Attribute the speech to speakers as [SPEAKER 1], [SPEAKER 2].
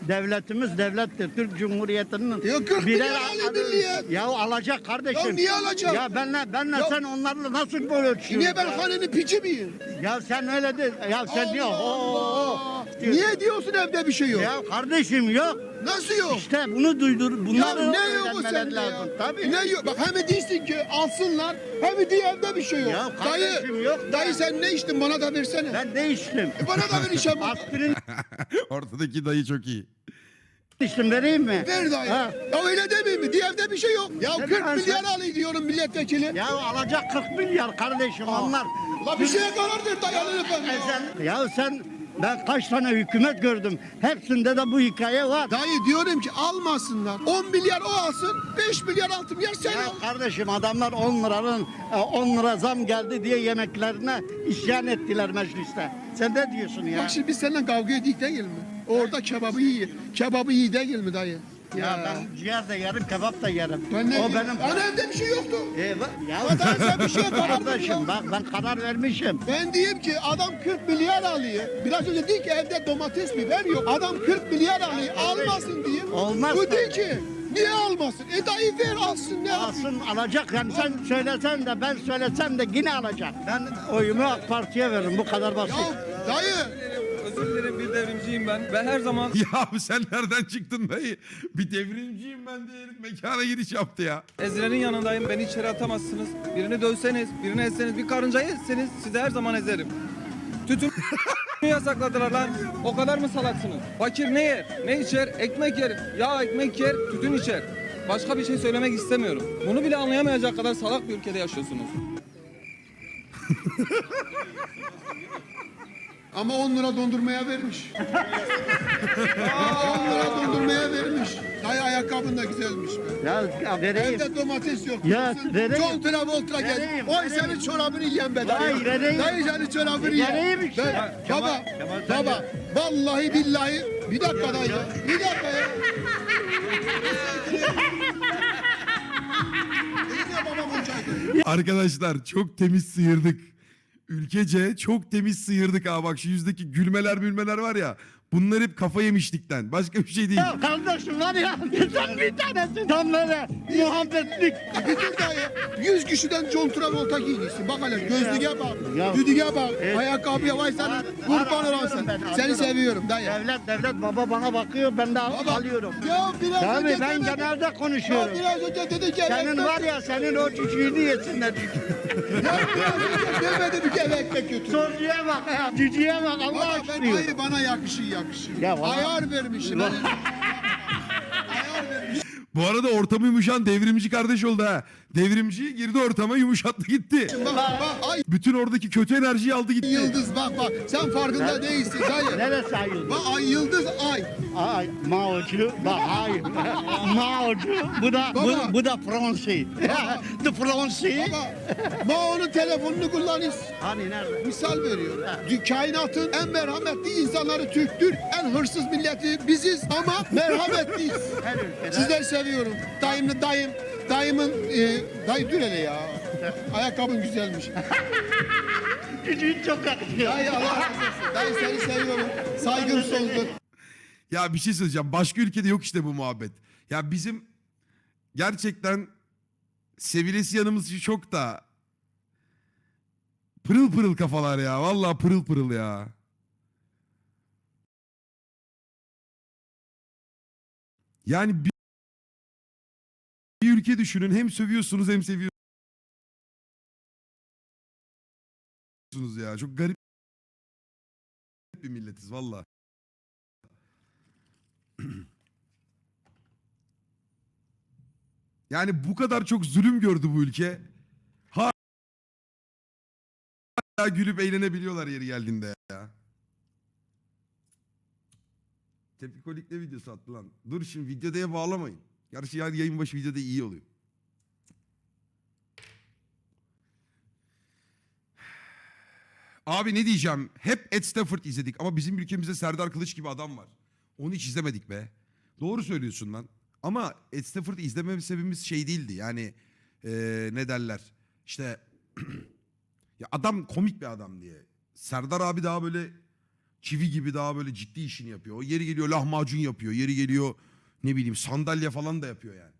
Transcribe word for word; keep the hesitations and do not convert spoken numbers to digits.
[SPEAKER 1] devletimiz devlettir. Türk Cumhuriyeti'nin
[SPEAKER 2] Ya kırk
[SPEAKER 1] birer
[SPEAKER 2] milyar alayım milliyet.
[SPEAKER 1] ya alacak kardeşim.
[SPEAKER 2] Ya niye alacak?
[SPEAKER 1] Ya benle benle
[SPEAKER 2] Ya-
[SPEAKER 1] sen onlarla nasıl böyle ölçüyorsun?
[SPEAKER 2] Niye ben
[SPEAKER 1] ya?
[SPEAKER 2] hanenin piçi miyim?
[SPEAKER 1] Ya sen öyle de ya sen diyor.
[SPEAKER 2] Allah
[SPEAKER 1] Oo,
[SPEAKER 2] Allah.
[SPEAKER 1] diyor.
[SPEAKER 2] Niye diyorsun evde bir şey yok?
[SPEAKER 1] Ya kardeşim yok.
[SPEAKER 2] Nasıl yok?
[SPEAKER 1] İşte bunu duydur.
[SPEAKER 2] Ya
[SPEAKER 1] Bunları
[SPEAKER 2] ne yok bu
[SPEAKER 1] öğrenmeleri
[SPEAKER 2] sende
[SPEAKER 1] lazım.
[SPEAKER 2] ya?
[SPEAKER 1] Tabii.
[SPEAKER 2] Ne yok? Bak hem değilsin ki alsınlar hem diye evde bir şey yok.
[SPEAKER 1] Ya kardeşim
[SPEAKER 2] dayı,
[SPEAKER 1] yok.
[SPEAKER 2] dayı sen ne içtin bana da versene.
[SPEAKER 1] Ben değiştim.
[SPEAKER 2] E bana da ver işe bak.
[SPEAKER 1] Aspirin
[SPEAKER 3] Ortadaki dayı çok iyi.
[SPEAKER 1] içtim vereyim mi?
[SPEAKER 2] Ver dayı.
[SPEAKER 1] Ha.
[SPEAKER 2] Ya öyle demeyeyim mi? Diye evde bir şey yok. Ya
[SPEAKER 1] Ne
[SPEAKER 2] kırk
[SPEAKER 1] ben
[SPEAKER 2] milyar
[SPEAKER 1] sen-
[SPEAKER 2] alayım diyorum milletvekili.
[SPEAKER 1] Ya alacak kırk milyar kardeşim onlar.
[SPEAKER 2] La bir şeye karar ver dayı alın efendim.
[SPEAKER 1] E sen, ya sen ben kaç tane hükümet gördüm. Hepsinde de bu hikaye var.
[SPEAKER 2] Dayı diyorum ki almasınlar. on milyar o alsın, beş milyar altı milyar sen
[SPEAKER 1] Ya
[SPEAKER 2] al.
[SPEAKER 1] kardeşim adamlar on liranın e, on lira zam geldi diye yemeklerine isyan ettiler mecliste. Sen ne diyorsun ya?
[SPEAKER 2] Bak şimdi biz seninle kavga edik değil mi? Orada kebabı iyi. Kebabı iyi değil mi dayı?
[SPEAKER 1] Ya ben ciğer de yerim, kebap da yerim.
[SPEAKER 2] Ben ne
[SPEAKER 1] o benim.
[SPEAKER 2] Ana evde bir şey yoktu.
[SPEAKER 1] E, bak- ya
[SPEAKER 2] Zaten sen bir şeye karar ver
[SPEAKER 1] kardeşim
[SPEAKER 2] ya.
[SPEAKER 1] bak ben karar vermişim.
[SPEAKER 2] Ben diyeyim ki adam kırk milyar alıyor. Biraz önce dedi ki evde domates biber yok. Adam kırk milyar alıyor. Almasın diyeyim.
[SPEAKER 1] Olmaz
[SPEAKER 2] Bu
[SPEAKER 1] tabii.
[SPEAKER 2] değil ki. Niye almasın? E dayı ver alsın ne yapayım?
[SPEAKER 1] Alsın alacak yani sen söylesen de ben söylesem de yine alacak. Ben oyumu AK Parti'ye veririm bu kadar basit.
[SPEAKER 2] Ya dayı.
[SPEAKER 4] Özür dilerim, bir devrimciyim ben. Ben her zaman
[SPEAKER 3] Ya abi sen nereden çıktın dayı? Bir devrimciyim ben diye herif mekana giriş yaptı ya.
[SPEAKER 4] ezilenin yanındayım. Beni içeri atamazsınız. Birini dövseniz, birini ezseniz, bir karıncayı ezseniz sizi her zaman ezerim. Tütün yasakladılar lan. O kadar mı salaksınız? Fakir ne yer? Ne içer? Ekmek yer. Ya ekmek yer, tütün içer. Başka bir şey söylemek istemiyorum. Bunu bile anlayamayacak kadar salak bir ülkede yaşıyorsunuz.
[SPEAKER 2] Ama on lira dondurmaya vermiş. Aa, on lira dondurmaya vermiş. Dayı ayakkabın da güzelmiş be.
[SPEAKER 1] Ya, ya vereyim.
[SPEAKER 2] Evde domates yok.
[SPEAKER 1] Ya,
[SPEAKER 2] Diyorsun,
[SPEAKER 1] vereyim.
[SPEAKER 2] John Travolta gel.
[SPEAKER 1] Vereyim,
[SPEAKER 2] Oy
[SPEAKER 1] vereyim.
[SPEAKER 2] senin çorabını yiyen be dayı.
[SPEAKER 1] Vay, vereyim.
[SPEAKER 2] Dayı senin çorabını yiyen.
[SPEAKER 1] Vereyim işte.
[SPEAKER 2] Ben-
[SPEAKER 1] Ya,
[SPEAKER 2] baba,
[SPEAKER 1] Kemal, Kemal sen
[SPEAKER 2] baba. Vallahi billahi. Bir dakika dayı. Bir dakika ya. Yine babam olacaktı.
[SPEAKER 3] Arkadaşlar çok temiz sıyırdık. Ülkece çok temiz sıyırdık ha. Bak şu yüzdeki gülmeler gülmeler var ya. Bunlar hep kafa yemişlikten. Başka bir şey değil.
[SPEAKER 1] Ya kardeşim var ya sen bir tanesi tam böyle muhabbetlik.
[SPEAKER 2] Bir dur dayı. Yüz kişiden John Travolta giymişsin. Bak hele gözlüğe bak.
[SPEAKER 1] Ya.
[SPEAKER 2] Düdüğe bak.
[SPEAKER 1] Evet.
[SPEAKER 2] Ayakkabıya vay senin.
[SPEAKER 1] Var-
[SPEAKER 2] Kurban
[SPEAKER 1] var,
[SPEAKER 2] olan
[SPEAKER 1] alıyorum
[SPEAKER 2] sen.
[SPEAKER 1] ben,
[SPEAKER 2] Seni
[SPEAKER 1] alıyorum.
[SPEAKER 2] seviyorum dayı.
[SPEAKER 1] Devlet devlet baba bana bakıyor ben de
[SPEAKER 2] Baba,
[SPEAKER 1] alıyorum.
[SPEAKER 2] Ya biraz
[SPEAKER 1] Tabii
[SPEAKER 2] önce
[SPEAKER 1] ben
[SPEAKER 2] demedin-
[SPEAKER 1] genelde konuşuyorum.
[SPEAKER 2] Ya biraz önce dedi ki
[SPEAKER 1] Senin
[SPEAKER 2] ekmek-
[SPEAKER 1] var ya senin o cücüğünü yesinler.
[SPEAKER 2] Ya biraz önce demedim ki eve ekmek götür.
[SPEAKER 1] Soruya bak ya cücüğe bak Allah
[SPEAKER 2] Baba ben
[SPEAKER 1] aşkına.
[SPEAKER 2] hayır bana yakışır yakışır.
[SPEAKER 1] Ya bana-
[SPEAKER 2] Ayar vermişim. Ayar vermişim.
[SPEAKER 3] Bu arada ortamı yumuşan devrimci kardeş oldu ha. Devrimci girdi ortama yumuşattı gitti.
[SPEAKER 2] Bak bak ay
[SPEAKER 3] Bütün oradaki kötü enerjiyi aldı gitti.
[SPEAKER 2] yıldız bak bak sen farkında değilsin dayı.
[SPEAKER 1] Neresi ayıldı?
[SPEAKER 2] Bak ay yıldız ay.
[SPEAKER 1] Ay Mao'cu bak hayır. Mao'cu bu da bu,
[SPEAKER 2] Baba.
[SPEAKER 1] bu da Fransi. The Fransi.
[SPEAKER 2] Baba Mao'nun telefonunu kullanırız.
[SPEAKER 1] Hani nerede?
[SPEAKER 2] Misal veriyorum. Dü- Kainatın en merhametli insanları Türktür. En hırsız milleti biziz ama merhametliyiz.
[SPEAKER 1] Her ülkede.
[SPEAKER 2] Sizleri seviyorum. Dayımlı dayım. Dayımın e, dayı dur hele ya. Ayakkabın güzelmiş.
[SPEAKER 1] Cücüğün çok yakışıyor.
[SPEAKER 2] Dayı Allah razı olsun. Dayı seni seviyorum. Saygım sonsuz.
[SPEAKER 3] Ya bir şey söyleyeceğim. Başka ülkede yok işte bu muhabbet. Ya bizim gerçekten sevilesi yanımız çok da pırıl pırıl kafalar ya. Vallahi pırıl pırıl ya. Yani bir, bir ülke düşünün. Hem sövüyorsunuz hem seviyorsunuz ya. Çok garip bir milletiz vallahi. Yani bu kadar çok zulüm gördü bu ülke. Hala gülüp eğlenebiliyorlar yeri geldiğinde ya. Tepkikolik ne videosu attı lan? Dur şimdi videoya bağlamayın. Gerçi yani yayın başı videoda iyi oluyor. Abi ne diyeceğim? Hep Ed Stafford izledik ama bizim ülkemizde Serdar Kılıç gibi adam var. Onu hiç izlemedik be. Doğru söylüyorsun lan. Ama Ed Stafford'ı izleme sebebimiz şey değildi. Yani ee, ne derler? İşte ya adam komik bir adam diye. Serdar abi daha böyle çivi gibi daha böyle ciddi işini yapıyor. O yeri geliyor lahmacun yapıyor. Yeri geliyor ne bileyim sandalye falan da yapıyor yani.